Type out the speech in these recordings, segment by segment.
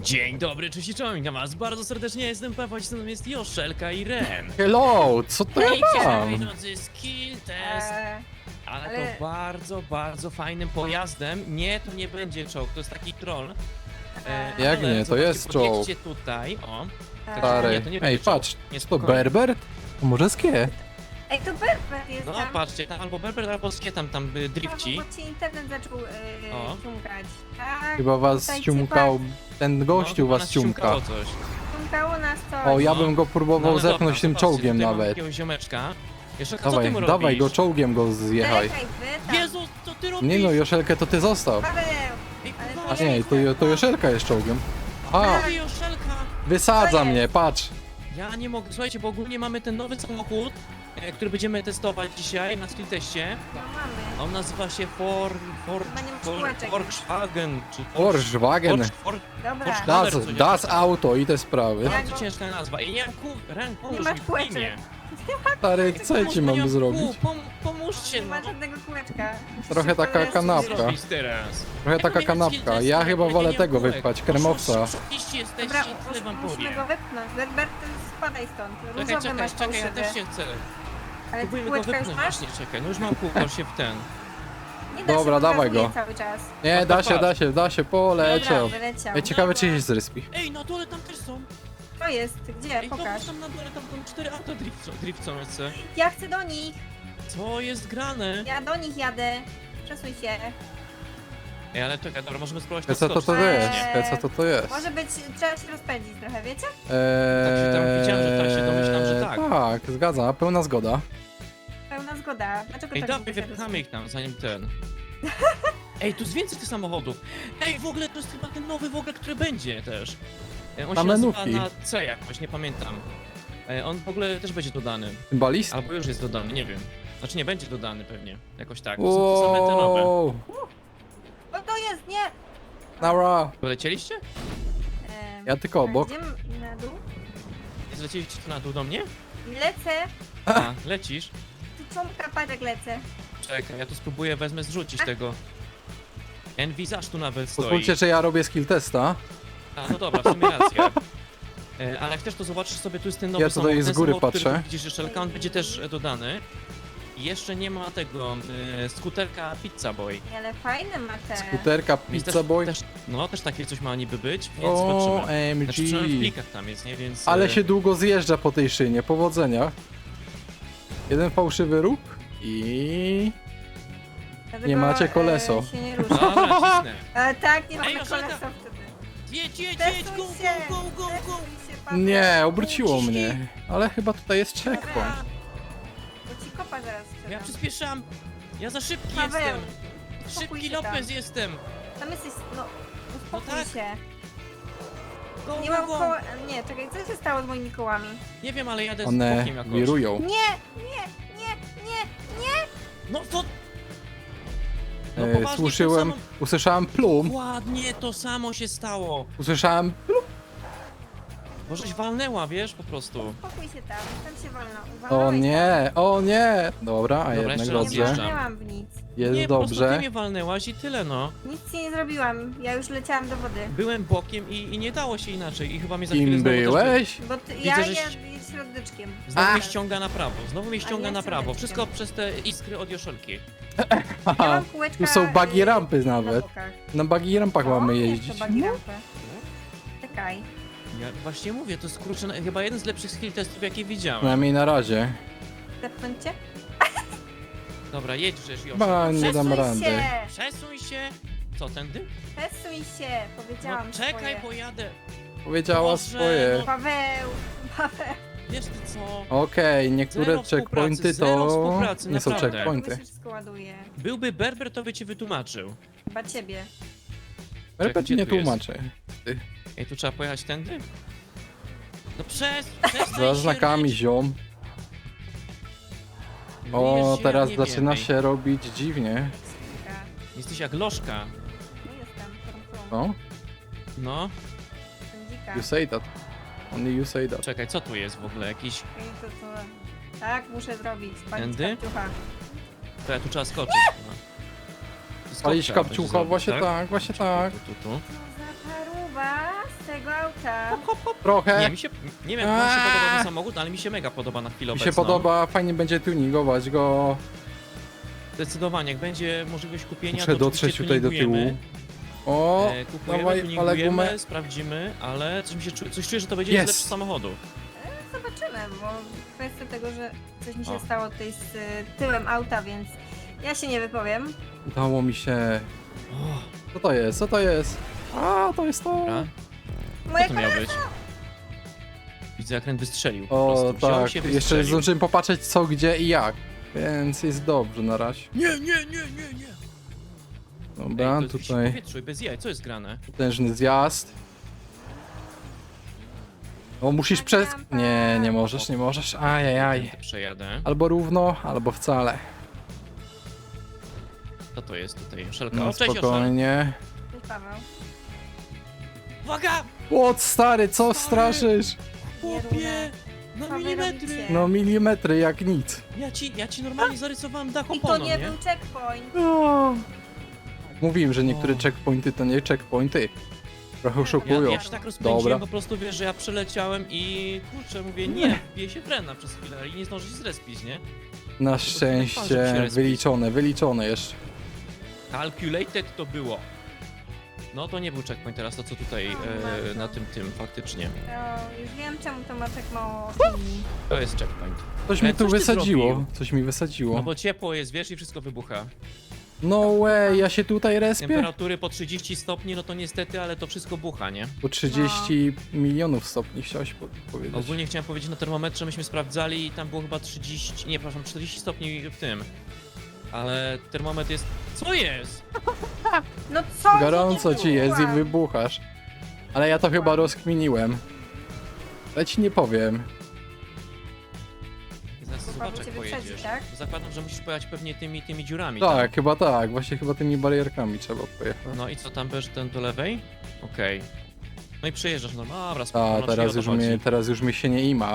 Dzień dobry, cześć i czołem, witam was bardzo serdecznie, jestem Paweł, ze mną jest Joszelka i Ren. Hello, co to Hej, ja moi mam? drodzy, skill test, ale ale- to bardzo fajnym pojazdem. Nie, to nie będzie czołg, to jest taki troll. Jak ale nie, to zobaczcie, jest czołg. podjedźcie tutaj, o. Stary. Nie, to nie Ej, będzie czołg. patrz, Nie, to spokojnie. Berber? To może skie? Ej, to Berber jest No tam. patrzcie, tam albo Berber, albo Skie tam drifci. Bo ci internet zaczął O. ciumkać. Tak, Chyba was tutaj ciumkał, ten gościu chyba was nas ciumka. ciumkało coś. ciumkało nas coś. O, ja No. bym go próbował ale zepchnąć dobra, tym zobaczcie, czołgiem tutaj mamy nawet. jakiegoś ziomeczka. Joszelka, co ty Dawaj, mu dawaj robisz? go czołgiem go zjechaj. Czekaj, wy tam. Jezu, co ty robisz? Nie no, Joszelkę to ty zostaw. Paweł! Ej, ale kurwa, A to nie, to Joszelka jest czołgiem. A, Ej, Joszelka! wysadza To jest. mnie, patrz. Ja nie mogę, słuchajcie, bo ogólnie mamy ten nowy samochód, który będziemy testować dzisiaj na skill teście. No mamy. On nazywa się Chyba nie ma kółeczek. Volkswagen, czy Volkswagen. Dobra. Das- Das Auto i te sprawy. Bardzo ciężka nazwa. I nie mam kół, Ren, pomóż Nie masz mi w kółeczek. imię. Stary, co ja ci Nie mam mam zrobić? kół, pomóżcie, Nie no. ma żadnego kółeczka. Trochę taka Musisz się kanapka. poleczyć. Zrobić teraz. Trochę taka kanapka. Ja chyba wolę tego wypchać, kremowca. Oszukaliście jesteście, Dobra, tyle wam musimy powiem. go wypchnąć. Berber, ty spadaj stąd. Różowy Czekaj, masz czekaj, ja fałszywy. też się chcę. Ale ty Próbujmy go kółeczka już wypchnąć masz? właśnie, czekaj. No już mam kółko się w ten. Nie da Dobra, się, dawaj pokazuje go. cały czas. Nie, da się, Dobra, poleciał. wyleciał. Ej, ciekawe czy się zrespi. Ej, na dole tam też są. To jest, gdzie? Ej, Pokaż. zobacz tam na dole, tam są 4 auta driftcą jeszcze. Ja chcę do nich. Co jest grane? Ja do nich jadę. Przesuń się. Ej, ale czekaj, dobra, możemy spróbować Co to skoczyć. jest? Co to jest? Może być, trzeba się rozpędzić trochę, wiecie? Tak się tam widziałem, że tak się domyślam, że tak. Tak, zgadza, pełna zgoda. Pełna zgoda. Dlaczego Ej, tak dawaj, długo się wypchamy ich tam, zanim ten. Ej, tu jest więcej tych samochodów. Ej, w ogóle to jest chyba ten nowy w ogóle, który będzie też. On Na się nazywa menówki. na C jakoś, nie pamiętam. On w ogóle też będzie dodany. Symbalist? Albo już jest dodany, nie wiem. Znaczy nie będzie dodany pewnie, jakoś tak. To są te same te nowe. Wow, O, to jest, nie! Nara, Polecieliście? ja tylko obok. Gdzie na dół? Zlecieliście tu na dół do mnie? Lecę. A, lecisz? Tu ciągka, patrz lecę. Czekaj, ja tu spróbuję, wezmę zrzucić tego. Envisage tu nawet stoi. Pozwólcie, że ja robię skill testa. A, no dobra, w sumie racja. Ale jak chcesz, to zobaczysz sobie, tu jest ten nowy Ja tutaj samochód. z Ten góry samochód, który patrzę. tu widzisz, Joszelka, on będzie też dodany. I jeszcze nie ma tego skuterka Pizza Boy. Ale fajne ma te. Skuterka, Więc pizza boy. no, też takie coś ma niby być, więc zobaczymy. OMG. Znaczy, przynajmniej w plikach tam jest, nie? Więc... Ale się długo zjeżdża po tej szynie, powodzenia. Jeden fałszywy róg i... Dlatego, nie macie koleso. się nie rusza. Dobra, cisnę. Tak, nie mamy Ej, Joszelka! kolesa wtedy. Jedź, jedź, jedź, Testuj go, się! go, go, go, go! Testuj się, Paweł. Nie, obróciło mnie. Ale chyba tutaj jest checkpoint. Dobra, Bo ci kopa zaraz ja sprzedam. przyspieszam. Ja za szybki Paweł, jestem. uspokój Szybki się tam. Lopez jestem. Tam jesteś, no, uspokój tak. się. Go, Nie go, mam go. koła, nie, czekaj, co się stało z moimi kołami? Nie wiem, ale jadę z One bokiem jakoś. wirują. Nie! No to... No poważnie, Usłyszałem plum. Dokładnie to samo się stało. Usłyszałem... Możeś walnęła, wiesz, po prostu. Uspokój się tam się wolno. O nie! Dobra, a jednak jeszcze raz Nie dobrze. wjeżdżam. walnęłam w nic. Jest Nie, po prostu ty dobrze. mnie walnęłaś i tyle, no. Nic ci nie zrobiłam, ja już leciałam do wody. Byłem bokiem i nie dało się inaczej i chyba mnie za chwilę Kim znowu też byłeś? Bo ty, Widzę, ja że jadę środeczkiem. Znowu mnie A. ściąga na prawo, znowu mnie ściąga ja na prawo. środeczkiem. Wszystko przez te iskry od Joszelki. Ja Haha, mam kółeczka, tu są buggy rampy na nawet. bokach. Na buggy rampach O, mamy jest to jeździć. buggy rampy. Czekaj. Ja właśnie mówię, to jest kurczę, chyba jeden z lepszych skill testów, jakie widziałem. Przynajmniej na razie. Zepnąć cię? Dobra, jedź żeś, Joszel. Chyba nie dam Przesuń rady. się! Przesuń się. Co, tędy? Przesuń się! No, Powiedziałam czekaj, swoje. pojadę. Powiedziała Boże, swoje. no. Paweł! Wiesz ty co? Okej, niektóre Zero checkpointy współpracy, zero to współpracy, nie są naprawdę. checkpointy. Mi się wszystko ładuje. Byłby Berber, to by ci wytłumaczył. Chyba ciebie. Repet gdzie nie tu jest? tłumaczy. Ej, tu trzeba pojechać tędy? No przestań Za się znakami ryć. ziom. Wiesz, O, ja teraz nie zaczyna wiem, ej. się robić dziwnie. Skrzynka. Jesteś jak lożka. No jestem, No, No, dzika. you say that. Only you say that. czekaj, co tu jest w ogóle? Jakiś... Tak, muszę zrobić. Palić Tędy? kapciucha. To ja tu trzeba skoczyć. No. Palić Skoczka kapciucha, będzie właśnie zrobić, tak, właśnie tak. Tu. Co za paruwa z Jaka? Trochę. Nie, nie wiem, jak wam się podoba ten samochód, ale mi się mega podoba na chwilę Mi się obecną. podoba, fajnie będzie tuningować go. Zdecydowanie, jak będzie możliwość kupienia, Muszę to dotrzeć oczywiście tutaj do tyłu. tuningujemy. O, Kupujemy, dawaj, ale tuningujemy, gumę. sprawdzimy, ale coś czuję, że to będzie Jest. jeden z lepszych samochodów. Zobaczymy, bo kwestia tego, że coś mi się O. stało tutaj z tyłem auta, więc ja się nie wypowiem. Udało mi się. O, Co to jest? Co to jest? A, to jest to. dobra. Moja Co to miało być? Widzę, jak ten wystrzelił po O, prostu. Wziął tak. się, Jeszcze wystrzelił. zdążyłem popatrzeć co, gdzie i jak. Więc jest dobrze na razie. Nie. Dobra, Ej, to jest tutaj powietrzu i bez jaj, co jest grane? potężny zjazd. O, musisz Tak, przez... rampa. Nie, nie możesz, nie możesz. Ajajaj. Tędy przejadę. Albo równo, albo wcale. Co to jest tutaj? Szelka. No O, cześć, Joszel. spokojnie. Cześć, Paweł. Uwaga! O, stary, co Stary. straszysz? Chłopie! Na Co wy milimetry! robicie? No milimetry jak nic. Ja ci normalnie zarysowałem dach I to oponą, nie nie? był checkpoint. O. Mówiłem, że niektóre O. checkpointy to nie checkpointy. Trochę Ja- oszukują. Ja się tak rozpędziłem, Dobra. po prostu wiesz, że ja przeleciałem i kurczę, mówię, nie, wbiję się frena przez chwilę i nie zdążę się zrespić, nie? Na prostu tak żeby się szczęście respić. wyliczone jeszcze. Calculated to było. No to nie był checkpoint teraz, to co tutaj bardzo. na tym faktycznie. To już wiem, czemu to ma tak mało opinii. To jest checkpoint. Coś mi tu coś ty wysadziło. zrobił. Coś mi wysadziło. No bo ciepło jest, wiesz, i wszystko wybucha. No way, ja się tutaj respię? Temperatury po 30 stopni, no to niestety, ale to wszystko bucha, nie? Po 30 milionów stopni chciałeś powiedzieć. Ogólnie chciałem powiedzieć, na termometrze myśmy sprawdzali i tam było chyba 30, nie, przepraszam, 40 stopni w tym. Ale termometr jest... Co jest? No co? Gorąco nie ci jest i byłam. wybuchasz. Ale ja to chyba rozkminiłem. Ale ci nie powiem. Zaraz Paweł zobacz, jak cię wyprzedzi, pojedziesz. tak? Zakładam, że musisz pojechać pewnie tymi dziurami. Tak, chyba tak. Właśnie chyba tymi barierkami trzeba pojechać. Tam. No i co, tam będziesz ten do lewej? Okej. No i przejeżdżasz normalnie. Dobra, A, spoko, no, teraz już mi się nie ima.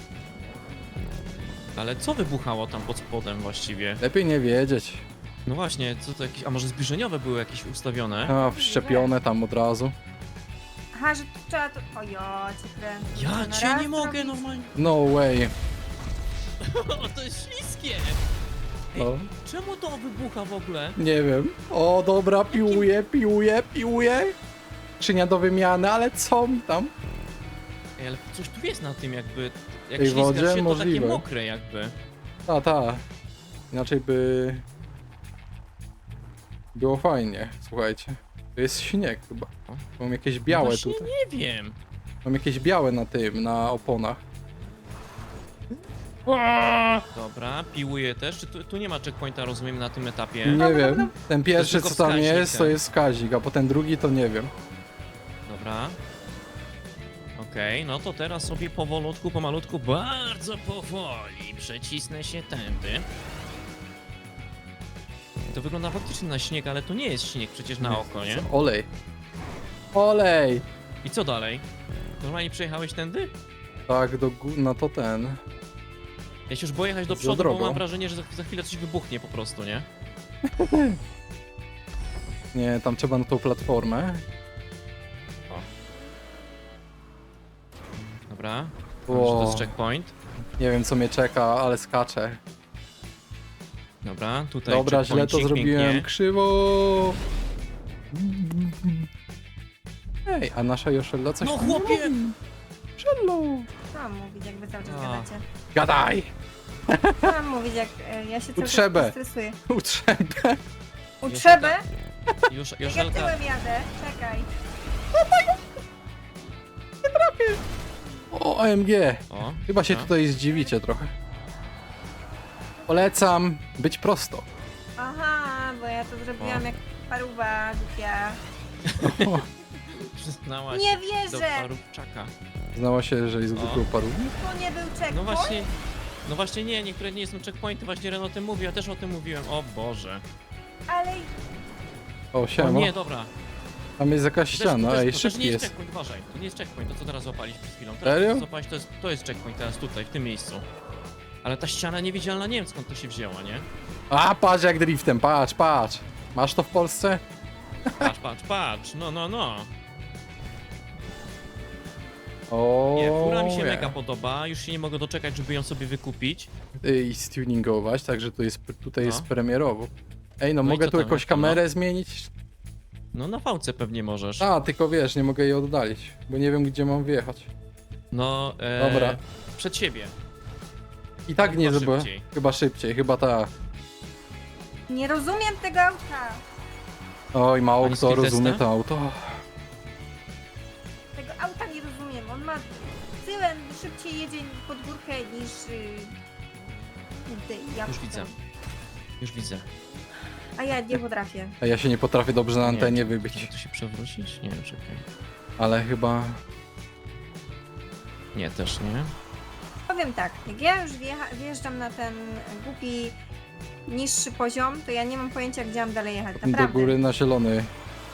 Ale co wybuchało tam pod spodem właściwie? Lepiej nie wiedzieć. No właśnie, co to jakieś... A może zbliżeniowe były jakieś ustawione? A, wszczepione tam od razu. Aha, że tu trzeba to... O ja cię kręcę. Ja Na cię raz nie mogę zrobić? normalnie. No way. O, to jest śliskie! No, Czemu to wybucha w ogóle? nie wiem. O, dobra, piłuję. Skrzynia do wymiany, ale co mi tam? Ej, ale coś tu jest na tym jakby... Jak Tej ślizgasz wodzie? się, to Możliwe. takie mokre jakby. Ta. Inaczej by... Było fajnie, słuchajcie. To jest śnieg chyba. Mam jakieś białe No właśnie tutaj. nie wiem. Mam jakieś białe na tym, na oponach. Dobra, piłuję też. Czy tu nie ma checkpointa, rozumiem, na tym etapie? Nie wiem. Ten pierwszy tylko co tam wskaźnik, jest, to tak. jest wskaźnik, a potem drugi to nie wiem. Dobra. Okej, no to teraz sobie powolutku, pomalutku, bardzo powoli przecisnę się tędy. To wygląda faktycznie na śnieg, ale to nie jest śnieg przecież na oko, nie? Olej. Olej! I co dalej? Normalnie przejechałeś tędy? Tak, no to ten. Ja się już boję jechać do Za przodu, bo drogą. mam wrażenie, że za chwilę coś wybuchnie po prostu, nie? Nie, tam trzeba na tą platformę. Dobra. O. Może to jest checkpoint. Nie wiem co mnie czeka, ale skaczę. Dobra, tutaj Dobra, źle to checkpointik, zrobiłem. pięknie. Krzywo! Ej, a nasza Joszella coś No tam chłopie! robi. Szello! Co mam mówić, jak wy cały czas A. gadacie? Gadaj! Co mam mówić, jak ja się cały Utrzebę. czas stresuję? Utrzębę! Utrzebę? Już, Jak ja Joszelka, tyłem jadę? Czekaj. O, OMG! o, Chyba się no. tutaj zdziwicie trochę. Polecam być prosto. Aha, bo ja to zrobiłam O. jak paruwa głupia. Przyznałaś Nie do wierzę! parówczaka. Znała się, że jest głupią parą. To nie był checkpoint? No właśnie nie, niektóre nie są checkpointy, właśnie Ren o tym mówi, ja też o tym mówiłem, o Boże. Ale O, O siema. nie, dobra. Tam jest jakaś ściana, ej, to szybki nie jest jest. checkpoint, uważaj, to nie jest checkpoint, to co teraz złapaliśmy przed chwilą. Teraz Serio? to, co złapałeś, to jest checkpoint teraz tutaj, w tym miejscu. Ale ta ściana niewidzialna, nie wiem skąd to się wzięła, nie? A, patrz jak driftem, patrz. Masz to w Polsce? Patrz, no. O, Nie, fura mi się nie. mega podoba, już się nie mogę doczekać, żeby ją sobie wykupić. I stuningować, także tutaj No. jest premierowo. Ej, no No i mogę co tu tam, jakąś jak to, no? kamerę zmienić? No na fałce pewnie możesz. A, tylko wiesz, nie mogę jej oddalić, bo nie wiem gdzie mam wjechać. No, Dobra. przed siebie. I tak No, nie chyba zrobię. szybciej. Chyba szybciej, chyba tak. Nie rozumiem tego auta. Oj, mało Pani kto skill rozumie testa? to auto. Tego auta nie rozumiem. On ma tyłem szybciej jedzie pod górkę niż... ja Już widzę. Już widzę. A ja nie potrafię. A ja się nie potrafię dobrze na antenie Czy wybić. tu się przewrócić? Nie, czekaj. Ale chyba... Nie, też nie. Powiem tak, jak ja już wjeżdżam na ten głupi, niższy poziom, to ja nie mam pojęcia, gdzie mam dalej jechać. Do Naprawdę. góry na zielony.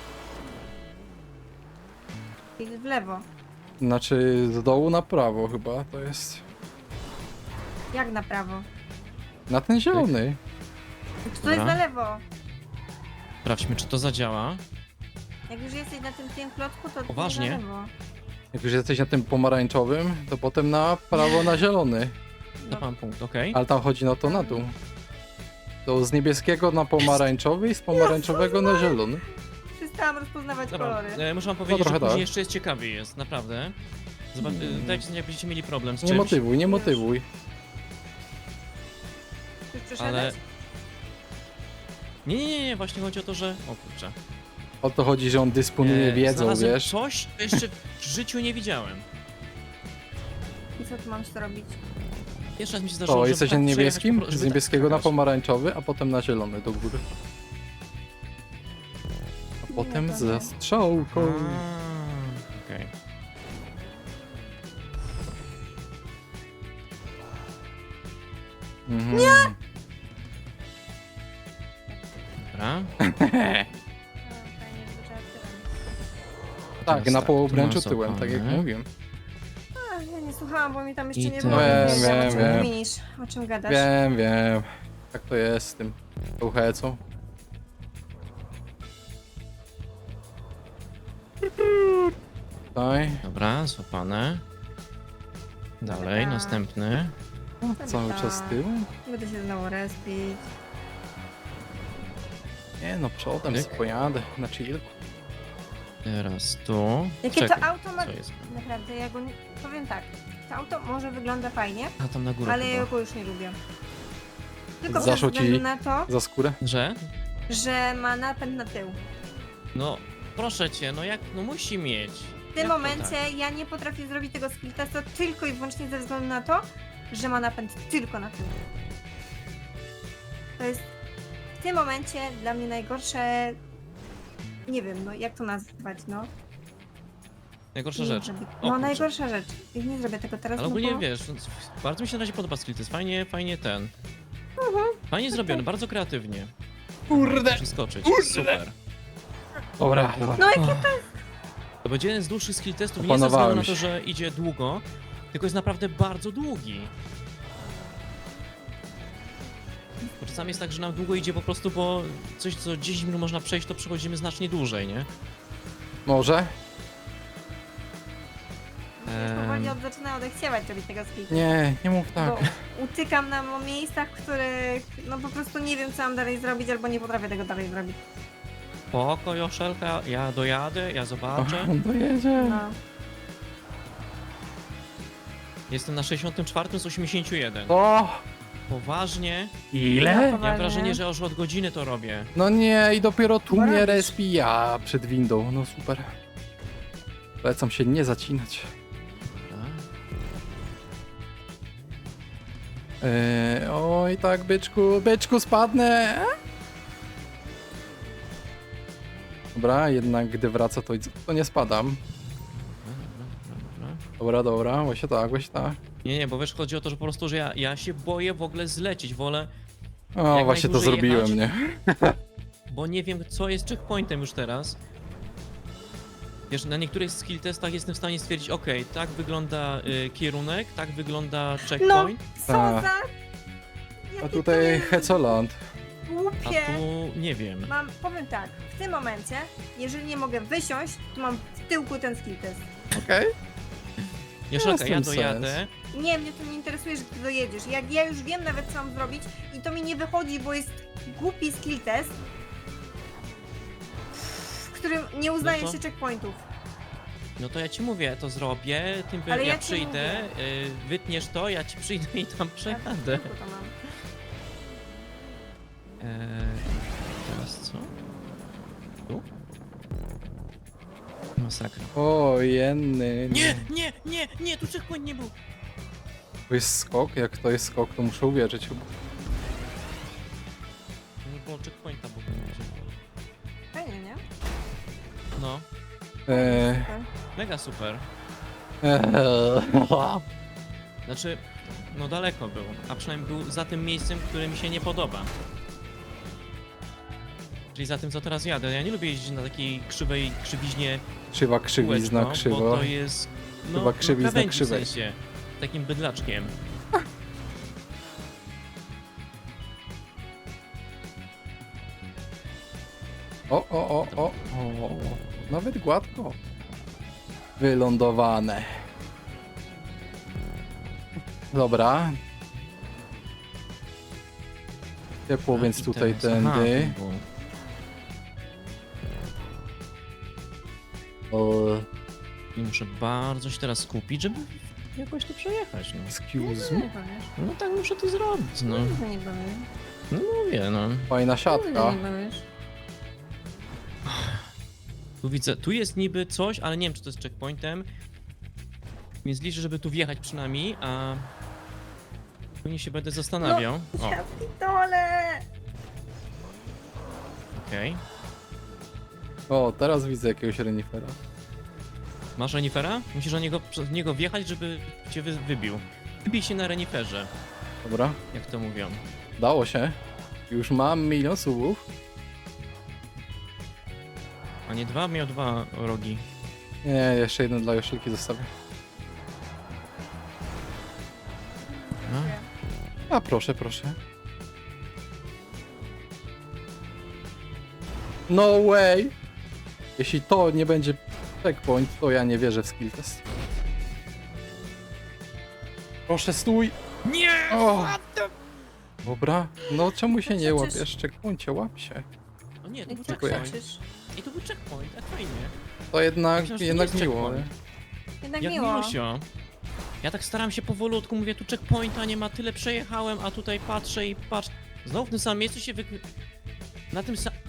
I w lewo. Znaczy z dołu na prawo chyba to jest. Jak na prawo? Na ten zielony. Czy to jest Dobra. na lewo? Sprawdźmy, czy to zadziała. Jak już jesteś na tym klocku, to Poważnie? na lewo. Jak już jesteś na tym pomarańczowym, to potem na prawo na zielony. To mam punkt, okej. Ale tam chodzi na to na dół. To z niebieskiego na pomarańczowy i z pomarańczowego na zielony. Przestałam rozpoznawać Dobra, kolory. muszę wam powiedzieć, trochę że później tak. jeszcze jest ciekawiej jest, naprawdę. Zobacz, dajcie znać, jak będziecie mieli problem z Nie czymś. motywuj, nie motywuj. Już Ale... przeszedłeś? Nie, właśnie chodzi o to, że... O kurczę. O to chodzi, że on dysponuje wiedzą, Znalazłem wiesz. coś, co jeszcze w życiu nie widziałem. I co tu mam z to robić? Pierwszy raz mi się zdarzyło, To żeby jesteś tak na przejechać niebieskim? żeby Z tak niebieskiego na skakać. pomarańczowy, a potem na zielony do góry. A potem to ze nie. strzałką. Okej. Mhm. Dobra. Fajnie, że trzeba tyłem. Tak, Teraz na tak, połobręczu tu tyłem, tak jak mazopane. mówiłem. A, ja nie słuchałam, bo mi tam jeszcze I nie to- było. Wiem, Nie wiedziałam, wiem, o czym wiem. mówisz, o czym gadasz. Wiem. Tak to jest z tym hecą. Tutaj. Dobra, złapane. Dalej, Dobra. następny. Cały czas tyłem? Będę się znowu respić. Nie no, przodem Tyk. pojadę na chillku. Teraz tu. Jakie Czekaj, to auto ma... co jest? Naprawdę, ja go nie... Powiem tak. To auto może wygląda fajnie, A tam na górę ale ja chyba. go już nie lubię. Tylko Zaszło ze względu ci- na to, Za skórę? Że? że ma napęd na tył. No, proszę cię, no jak, no musi mieć. W tym Jak to momencie tak? ja nie potrafię zrobić tego skill testu tylko i wyłącznie ze względu na to, że ma napęd tylko na tył. To jest w tym momencie dla mnie najgorsze... Nie wiem, no jak to nazwać, no. Najgorsza Nie rzecz. zrobię- O, No kurczę. najgorsza rzecz. I nie zrobię tego teraz, Ale no ogólnie bo... wiesz, no, bardzo mi się na razie podoba skill, to jest fajnie ten. Mhm. Fajnie zrobiony, bardzo kreatywnie. Kurde! Przeskoczyć, super. Dobra, No jakie To będzie jeden z dłuższych skill testów, nie ze względu Opanowałem na to, się. że idzie długo, tylko jest naprawdę bardzo długi. Bo czasami jest tak, że nam długo idzie po prostu, bo coś, co 10 minut można przejść, to przechodzimy znacznie dłużej, nie? Może? Już powoli zaczyna odechciewać robić tego skill testu. Nie mów tak. Bo utykam na miejscach, w których no po prostu nie wiem co mam dalej zrobić, albo nie potrafię tego dalej zrobić. Spoko, Joszelka, ja dojadę, ja zobaczę. On dojedzie. No. Jestem na 64 z 81. O! Poważnie? Ile? Ja mam Poważnie. wrażenie, że już od godziny to robię. No nie, i dopiero tu Bo mnie robisz. respi ja przed windą. No super. Polecam się nie zacinać. Dobra. Oj tak, byczku spadnę. Dobra, jednak gdy wraca to nie spadam. Dobra, właśnie tak. Nie, bo wiesz, chodzi o to, że po prostu, że ja się boję w ogóle zlecieć, wolę, O, Jak właśnie to najdłużej zrobiłem, jechać. nie? bo nie wiem, co jest checkpointem już teraz. Wiesz, na niektórych skill testach jestem w stanie stwierdzić, ok, tak wygląda kierunek, tak wygląda No, checkpoint, co Tak. za... A Jakie to tutaj jest Hecoland. a głupie. tu nie wiem. Powiem tak, w tym momencie, jeżeli nie mogę wysiąść, to mam w tyłku ten skill test. Okej. Joszelka, ja Jest w tym dojadę. Nie, mnie to nie interesuje, że ty dojedziesz. Jak ja już wiem nawet, co mam zrobić i to mi nie wychodzi, bo jest głupi skill test, w którym nie uznaje No to- się checkpointów. No to ja ci mówię, to zrobię, tym Ale ja ja ci przyjdę, wytniesz to, ja ci przyjdę i tam przejadę. Jak to mam? Teraz co? Tu? Masakra. O, jenny. Nie, tu checkpoint nie był. To jest skok? Jak to jest skok, to muszę uwierzyć chyba. Nie było checkpointa, bo Fajnie, nie? no, Super. mega super. Eee. Znaczy, no daleko był, a przynajmniej był za tym miejscem, które mi się nie podoba. Czyli za tym, co teraz jadę. Ja nie lubię jeździć na takiej krzywiźnie Krzywa, krzywizna, kółeczko, krzywo. bo to jest, no, Chyba krzywizna, krawędzi krzywej. w sensie, takim bydlaczkiem. O. Nawet gładko. Wylądowane. Dobra. Ciepło, A, więc i tutaj teraz- aha, tędy. tu było. O, I muszę bardzo się teraz skupić, żeby jakoś to przejechać, no. excuse Nie me. powiesz. No tak muszę to zrobić, no. Nie powiesz. No mówię, no. Fajna siatka. Nie powiesz. Tu widzę, tu jest niby coś, ale nie wiem, czy to jest checkpointem. Więc liczę, żeby tu wjechać przynajmniej, a później się będę zastanawiał. O, Ja pitole! okej. O, teraz widzę jakiegoś renifera. Masz renifera? Musisz przez niego wjechać, żeby cię wybił. Wybij się na reniferze, Dobra, jak to mówią. dało się. Już mam 1 000 000 subów. A nie dwa? Miał 2 rogi. Nie, jeszcze jeden dla Joszelki zostawię. No. A proszę, proszę. No way! Jeśli to nie będzie checkpoint, to ja nie wierzę w skill test. Proszę, stój! Nie! O! Dobra, no czemu się nie Przecież- łapiesz? Checkpoincie, łap się. O nie, to I był co Dziękuję. checkpoint. krzyczysz? I to był checkpoint, tak fajnie. To jednak, Myślałem, że to jednak nie jest miło, nie? checkpoint. Jednak Jak miło. miłosio. Ja tak staram się powolutku, mówię, tu checkpointa nie ma, tyle przejechałem, a tutaj patrzę i patrz. Znowu w tym samym miejscu się na tym samym...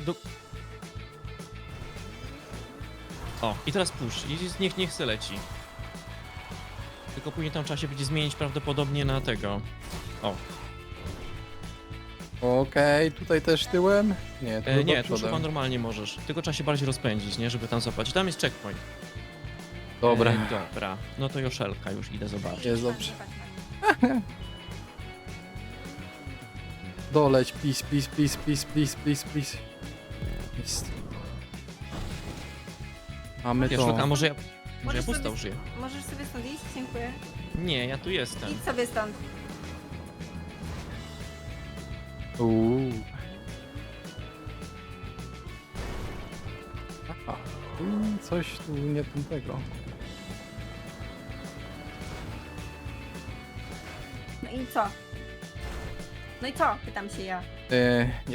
O, i teraz puść, i niech se leci. Tylko później tam trzeba się będzie zmienić prawdopodobnie na tego. O, Okej, tutaj też tyłem? Nie, to nie, chyba tu już chyba przodem. normalnie możesz. Tylko trzeba się bardziej rozpędzić, nie, żeby tam złapać. Tam jest checkpoint. Dobra. Dobra, no to Joszelka, już idę zobaczyć. Jest dobrze. Tak, tak, tak. Doleć, please, please, please, please, please, please, please. Jest. Mamy Joszelka, to. może ja Możesz pusta sobie- użyję. Możesz sobie stąd iść? Dziękuję. Nie, ja tu jestem. Idź sobie stąd. Aha, coś tu nie tego. No i co? No i co? Pytam się ja. Nie.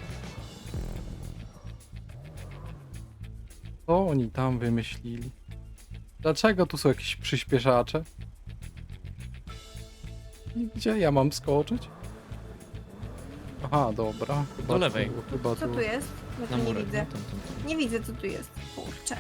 Co oni tam wymyślili? Dlaczego tu są jakieś przyspieszacze? Gdzie ja mam skoczyć? Aha, dobra. Chyba Do lewej. Chyba Co tu jest? Bo Na tu nie murek. widzę. No, tam. Nie widzę, co tu jest. Kurczę.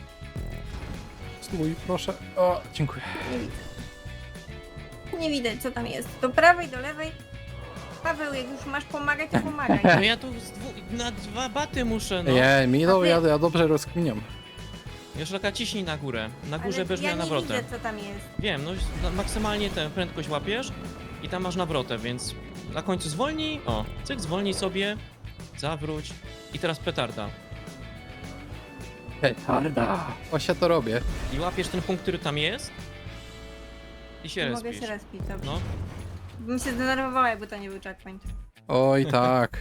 Stój, proszę. O, dziękuję. Nie widzę. Nie widać, co tam jest. Do prawej, do lewej. Paweł, jak już masz pomagać, to pomagaj. No ja tu na 2 baty muszę, no. Nie, mi to, A ty- ja dobrze rozkminiam. Joszelka, ciśnij na górę. Na górze Ale będziesz ja miała nie nawrotę. widzę, co tam jest. Wiem, no maksymalnie tę prędkość łapiesz i tam masz nawrotę, więc na końcu zwolnij, o, cyk, zwolnij sobie, zawróć i teraz petarda. Petarda. Właśnie to robię. I łapiesz ten punkt, który tam jest i się Nie mogę respisz. się respić, dobrze. No, Bym się zdenerwowała, jakby to nie był checkpoint. Oj tak.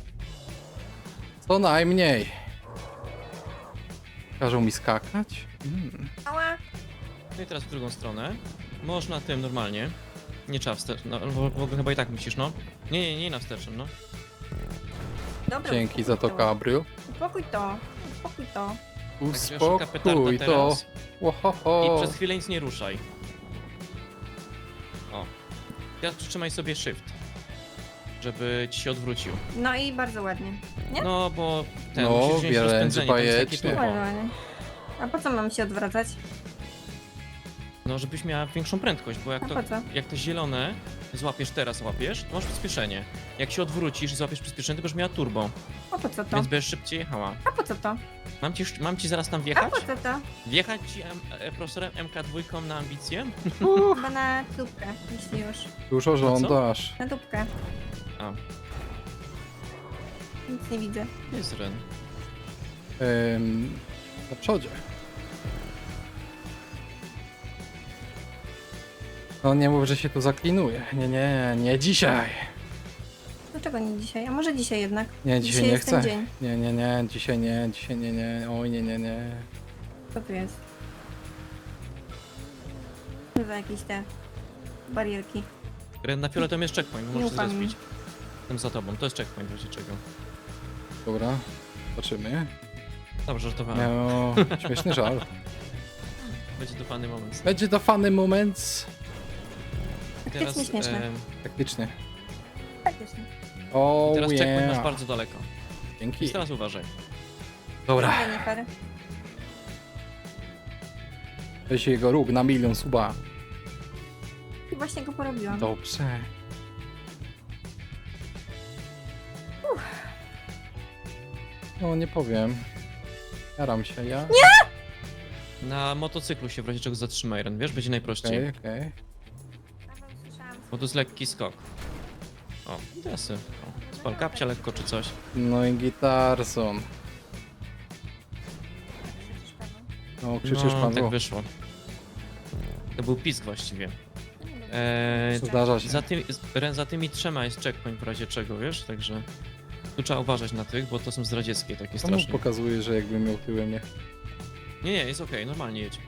Co najmniej. Każą mi skakać? Ała! No i teraz w drugą stronę. Można tym normalnie. Nie trzeba wstecz. No, w ogóle chyba i tak musisz, no. Nie na wstecznym, no. Dobra, Dzięki za to, uspokój Gabriel. Uspokój to, uspokój to. Także szuka petarda Uspokój to. teraz. Łohoho. I przez chwilę nic nie ruszaj. O. Teraz przytrzymaj sobie shift. Żeby ci się odwrócił. No i bardzo ładnie. Nie? No, bo ten No, musisz wziąć wręcz rozpędzenie, tam jest takie bajecznie. turbo. Bardzo ładnie. A po co mam się odwracać? No, żebyś miała większą prędkość, bo A po co? jak to zielone złapiesz teraz, to masz przyspieszenie. Jak się odwrócisz i złapiesz przyspieszenie, to będziesz miała turbo, A po co to? więc będziesz szybciej jechała. A po co to? Mam ci zaraz tam A wjechać? po co to? Wjechać ci profesorem MK2 na ambicję? Chyba na dupkę, jeśli już. Dużo żądasz. Na dupkę. A, Nic nie widzę. jest Ren. Na przodzie. No nie mów, że się tu zaklinuje. Nie dzisiaj. Dlaczego nie dzisiaj? A może dzisiaj jednak? Nie, dzisiaj nie jest ten chcę. dzień. Nie, dzisiaj nie. Oj, nie. Co tu jest? Co za jakieś te barierki? Ren, na fioletowym jest checkpoint, możesz się ufam im. zrespić. Tym za tobą, to jest checkpoint w razie czego. Dobra, zobaczymy. Dobrze, żartowałem. Miał śmieszny żal. Będzie to fajny moment. Będzie to funny moment. Faktycznie śmieszne. Faktycznie. Faktycznie. O, Teraz checkpoint masz yeah. bardzo daleko. Dzięki. Więc teraz uważaj. Dobra, Ale nie fair. weź jego róg na 1 000 000 suba. I właśnie go porobiłam. Dobrze. No nie powiem. Jaram się, ja? Na motocyklu się w razie czego zatrzymaj, Ren, wiesz, będzie najprościej. Okej. Bo to jest lekki skok. O, i teraz spal kapcia lekko czy coś. No i gitarson. No krzyczysz No, pan tak zło. wyszło. To był pisk właściwie. Zdarza się. Ren, za tymi trzema jest checkpoint w razie czego, wiesz, także tu trzeba uważać na tych, bo to są zdradzieckie takie Komu strasznie. pokazuje, że jakby miał tyłem jechać? Nie, jest okej, normalnie jedź.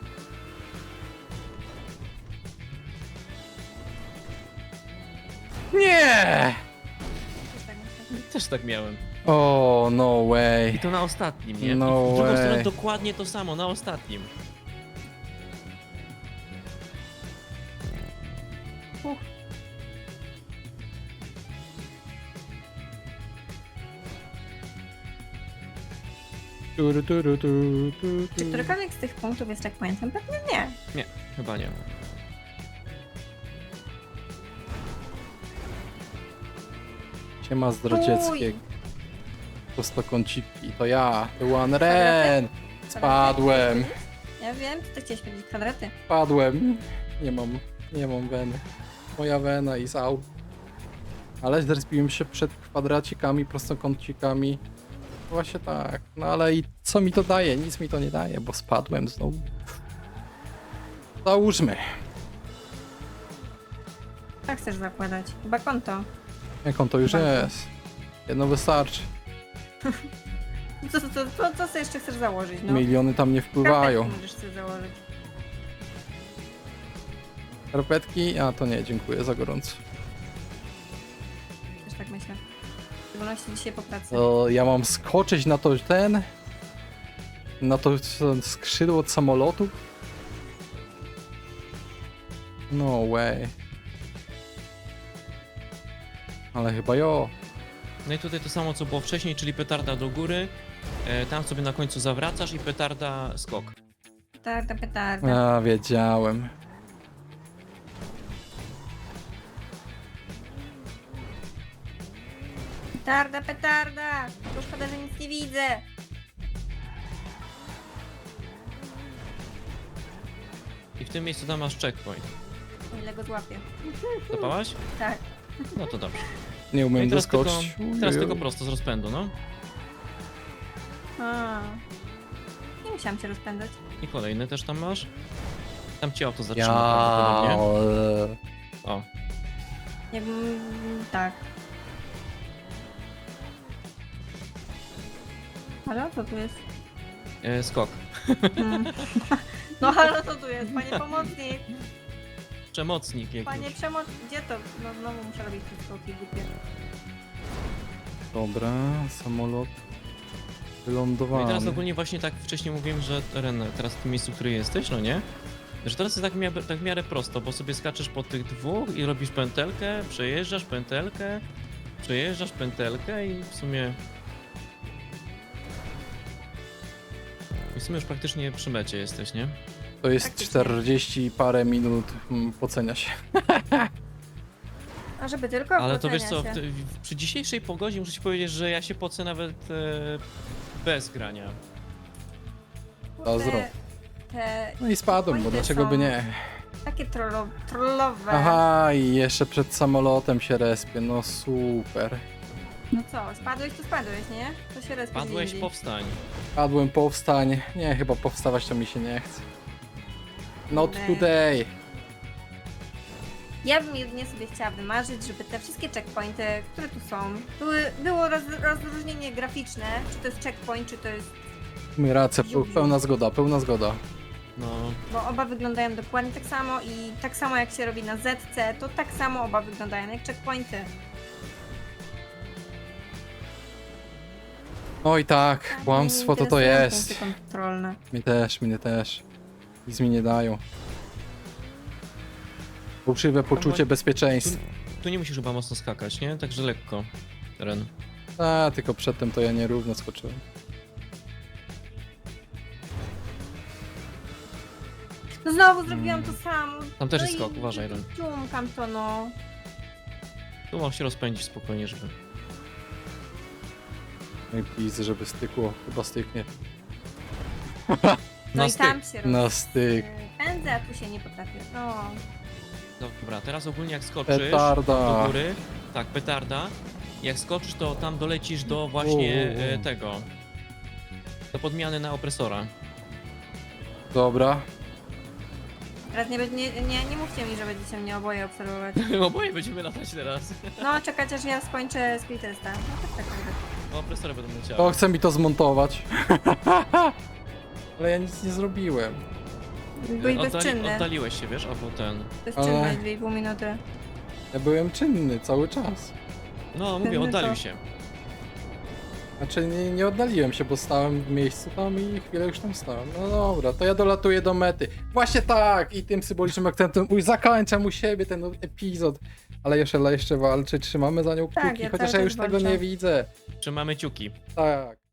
Nie! Też tak miałem. O, no I way. to na ostatnim, nie? No I w drugą way. stronę dokładnie to samo, na ostatnim. Czy którykolwiek z tych punktów jest checkpointem? Pewnie nie. Nie, chyba nie. Siema zdradzieckie. Prostokąciki, to ja, The One Ren. Spadłem, Ja wiem, ty to chciałeś powiedzieć kwadraty. spadłem. Nie mam weny. Moja wena is out. Ale zrespiłem się przed kwadracikami, prostokącikami. Właśnie tak. No ale i co mi to daje? Nic mi to nie daje, bo spadłem znowu. Załóżmy. Tak chcesz zakładać. Chyba konto. Jak on to już Bardzo. jest? Jedno wystarczy. Co sobie jeszcze chcesz założyć? No. Miliony tam nie wpływają. Karteczki możesz sobie założyć. Skarpetki? A to nie, dziękuję za gorąco. Też tak myślę. W szczególności dzisiaj po pracy. To ja mam skoczyć na to na to skrzydło od samolotu? No way. Ale chyba jo. No i tutaj to samo co było wcześniej, czyli petarda do góry. Tam sobie na końcu zawracasz i petarda skok. Petarda. A, wiedziałem. Petarda! To szkoda, że nic nie widzę. I w tym miejscu tam masz checkpoint. O ile go złapię. Zapałaś? Tak. No to dobrze. Nie No i umiem teraz tylko, doskoczyć. teraz Uju. tylko prosto z rozpędu, no. A. Nie musiałam się rozpędzać. I kolejny też tam masz. Tam cię auto zatrzyma Ja. prawdopodobnie. O, Jakbym... Tak. Halo? Co tu jest? skok. Mm. No halo, co tu jest? Panie pomocnik! Przemocnik jakiś. Panie przemoc... Gdzie to? No znowu muszę robić te skoki głupie. Dobra, samolot No i wylądowany. teraz ogólnie właśnie tak wcześniej mówiłem, że Ren, teraz w tym miejscu, w którym jesteś, no nie? Że teraz jest tak w miarę prosto, bo sobie skaczesz po tych dwóch i robisz pętelkę, przejeżdżasz pętelkę i w sumie... I w sumie już praktycznie przy mecie jesteś, nie? To jest Faktycznie. 40 i parę minut, pocenia się. A żeby tylko Ale to wiesz ocenia co, się. przy dzisiejszej pogodzie muszę ci powiedzieć, że ja się pocę nawet bez grania. Kurde, Zdro. te No i spadłem, bo checkpointy dlaczego by są nie? takie trollowe. Aha, i jeszcze przed samolotem się respię, no super. No co, spadłeś, to spadłeś, nie? To się raz Padłeś, powstań. Padłem, powstań. Nie, chyba powstawać to mi się nie chce. Not Kurde. today. Ja bym jedynie sobie chciała wymarzyć, żeby te wszystkie checkpointy, które tu są, było rozróżnienie graficzne, czy to jest checkpoint, czy to jest... My rację, pełna zgoda, pełna zgoda. No, Bo oba wyglądają dokładnie tak samo i tak samo jak się robi na ZC, to tak samo oba wyglądają jak checkpointy. Oj tak, kłamstwo to to Interesują jest. punkty kontrolne. Mnie też. Nic mi nie dają. Fałszywe poczucie bezpieczeństwa. tu nie musisz chyba mocno skakać, nie? Także lekko, Ren. A, tylko przedtem to ja nierówno skoczyłem. No znowu zrobiłam to samo. Tam też No jest i skok, uważaj, Ren. Ciumkam to no. Tu mam się rozpędzić spokojnie, żeby... No i please, żeby stykło. Chyba styknie. No Na i styk. tam się Na styk. pędzę, a tu się nie potrafię. No. Dobra, teraz ogólnie jak skoczysz Petarda. do góry, tak, petarda, jak skoczysz, to tam dolecisz do właśnie tego, do podmiany na opresora. Dobra. Teraz nie mówcie mi, że będziecie mnie oboje obserwować. Oboje będziemy latać teraz. No, czekać aż ja skończę skill testa. No tak. Opresory będą leciały. To chce mi to zmontować. Ale ja nic nie zrobiłem. Byłeś bezczynny. Oddaliłeś się, wiesz, albo ten... Bezczynny Ale- 2,5 minuty. Ja byłem czynny cały czas. No, mówię, No to- oddalił się. Znaczy nie oddaliłem się, bo stałem w miejscu tam i chwilę już tam stałem. No dobra, to ja dolatuję do mety. Właśnie tak! I tym symbolicznym akcentem zakończam u siebie ten epizod. Ale jeszcze walczyć, trzymamy za nią kciuki, Tak, ja chociaż cały ja już czas tego walczę. nie widzę. Trzymamy ciuki. Tak.